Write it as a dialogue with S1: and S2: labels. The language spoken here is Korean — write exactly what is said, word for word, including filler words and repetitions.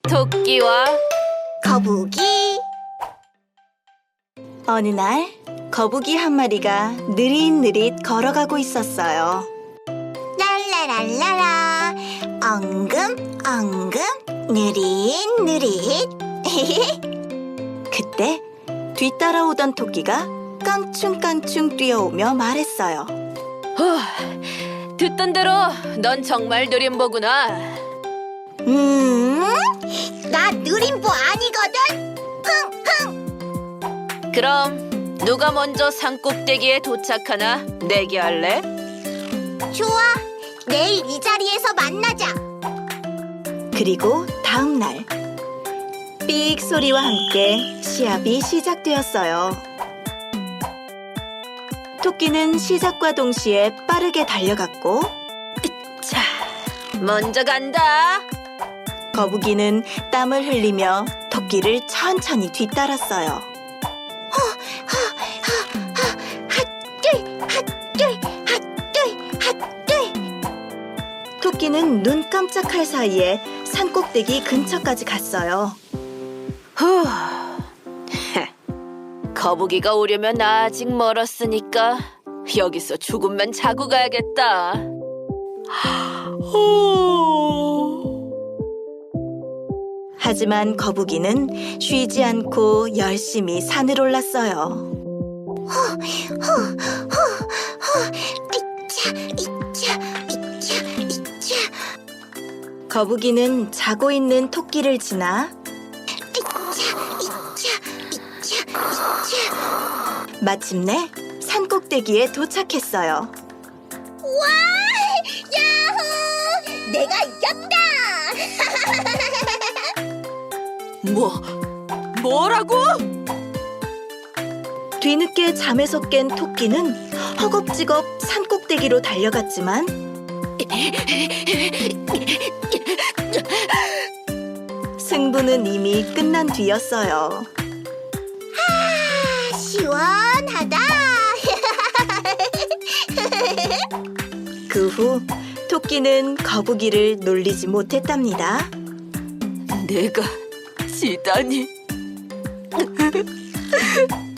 S1: 토끼와
S2: 거북이. 어느 날 거북이 한 마리가 느릿느릿 걸어가고 있었어요. 랄라랄라라, 엉금 엉금 느릿느릿. 그때 뒤따라오던 토끼가 깡충깡충 뛰어오며 말했어요.
S1: 후, 듣던 대로 넌 정말 느림보구나.
S2: 음, 나 느림보 아니거든. 흥흥.
S1: 그럼 누가 먼저 산 꼭대기에 도착하나 내기할래?
S2: 좋아, 내일 이 자리에서 만나자. 그리고 다음 날 삑 소리와 함께 시합이 시작되었어요. 토끼는 시작과 동시에 빠르게 달려갔고,
S1: 자, 먼저 간다.
S2: 거북이는 땀을 흘리며 토끼를 천천히 뒤따랐어요. 핫들, 핫들, 핫들, 핫들. 토끼는 눈 깜짝할 사이에 산꼭대기 근처까지 갔어요.
S1: 후, 거북이가 오려면 아직 멀었으니까 여기서 조금만 자고 가야겠다.
S2: 하지만 거북이는 쉬지 않고 열심히 산을 올랐어요. 거북이는 자고 있는 토끼를 지나 마침내 산 꼭대기에 도착했어요.
S3: 와! 야호! 내가 이겼다!
S1: 뭐, 뭐라고?
S2: 뒤늦게 잠에서 깬 토끼는 허겁지겁 산 꼭대기로 달려갔지만 승부는 이미 끝난 뒤였어요.
S3: 시원하다!
S2: 그 후 토끼는 거북이를 놀리지 못했답니다.
S1: 내가 지다니.